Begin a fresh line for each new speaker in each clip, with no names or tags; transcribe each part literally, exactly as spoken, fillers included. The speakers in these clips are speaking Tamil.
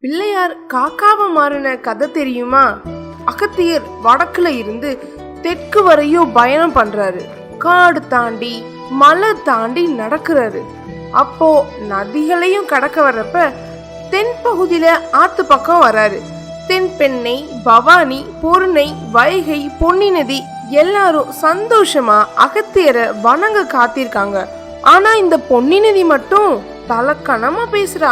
பிள்ளையார் காக்காவை மாறின கதை தெரியுமா? அகத்தியர் வடக்குல இருந்து தெற்கு வரையும் பயணம் பண்றாரு. காடு தாண்டி மலை தாண்டி நடக்கிறாரு. அப்போ நதிகளையும் கடக்க வர்றப்ப தென் பகுதியில ஆத்து பக்கம் வராரு. தென்பெண்ணை, பவானி, பொருணை, வைகை, பொன்னி நதி எல்லாரும் சந்தோஷமா அகத்தியரை வணங்க காத்திருக்காங்க. ஆனா இந்த பொன்னி நதி மட்டும் தலக்கணமா பேசுறா.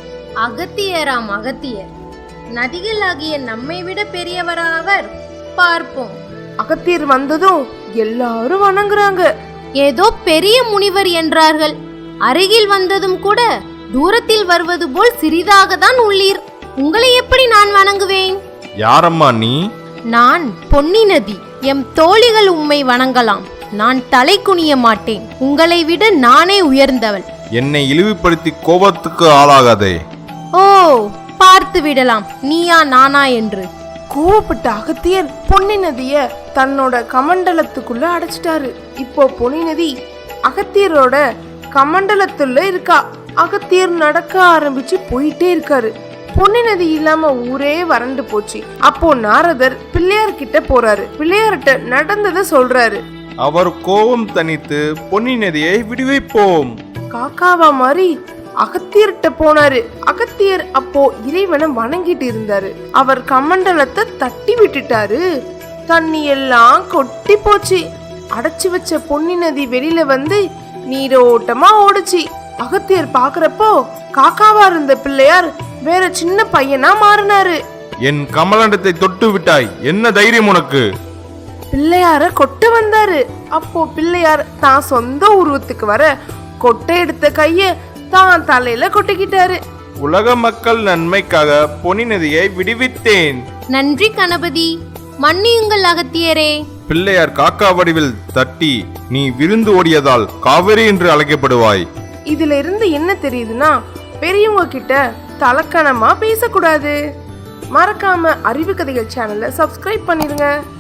அகத்தியராம் அகத்தியர், நதிகளாகிய நம்மை விட பெரியவரா அவர்? பார்ப்போம்.
அகத்தியர் வந்ததும் எல்லாரும் வணங்குறாங்க.
ஏதோ பெரிய முனிவர் என்றார்கள். அருகில் வந்ததும் கூட தூரத்தில் வருவது போல் சிறிதாக தான் உள்ளீர். உங்களை எப்படி நான் வணங்குவேன்?
யாரம்மா நீ?
நான் பொன்னி நதி. எம் தோழிகள் உம்மை வணங்கலாம். நான் தலை குனிய மாட்டேன். உங்களை விட நானே உயர்ந்தவள்.
என்னை இழிவுபடுத்தி கோபத்துக்கு ஆளாகாதே.
ஓ, பார்த்து விடலாம் நீயா நானா என்று.
கோவப்பட்ட அகத்தியர் பொன்னி நதிய தன்னோட கமண்டலத்துக்குள்ள அடைச்சிட்டாரு. இப்போ பொன்னி நதி அகத்தியரோட கமண்டலத்துல இருக்கா. அகத்தியர் நடக்க ஆரம்பிச்சு போயிட்டே இருக்காரு. பொன்னி நதி இல்லாம ஊரே வறண்டு போச்சு. அப்போ நாரதர் பிள்ளையார் கிட்ட போறாரு. பிள்ளையார்கிட்ட நடந்ததை சொல்றாரு.
அவர் கோபம் தனித்து பொன்னி நதியை விடுவிப்போம்.
காக்காவா மாதிரி அகத்தியர்கிட்ட போனாரு. அகத்தியர் அப்போ இறைவனை வணங்கிட்டு இருந்தாரு. அவர் கமண்டலத்தை தட்டி விட்டுட்டாரு. தண்ணி எல்லாம் கொட்டி போச்சு. அடைச்சு வச்ச பொன்னி நதி வெளியில வந்து நீரோட்டமா ஓடுச்சு. அகத்தியர் பாக்குறப்போ காக்காவா இருந்த பிள்ளையார் வேற சின்ன பையனா மாறினாரு.
என் கமலண்டத்தை தொட்டு விட்டாய், என்ன தைரியம் உனக்கு?
பிள்ளையார கொட்ட வந்தாரு. அப்போ பிள்ளையார் தான் சொந்த உருவத்துக்கு வர கொட்டை எடுத்த கைய தான் தலையில கொட்டிக்கிட்டாரு.
உலக மக்கள் நன்மைக்காக பொன்னி நதியை விடுவித்தேன்.
நன்றி கணபதி, மன்னியுங்கள் அகத்தியரே.
பிள்ளையார் காக்கா வடிவில் தட்டி நீ விருந்து ஓடியதால் காவிரி என்று அழைக்கப்படுவாய்.
இதுல இருந்து என்ன தெரியுதுன்னா, பெரியவங்க கிட்ட தலக்கணமா பேசக்கூடாது. மறக்காம அறிவு கதைகள் சேனலை சப்ஸ்கிரைப் பண்ணிருங்க.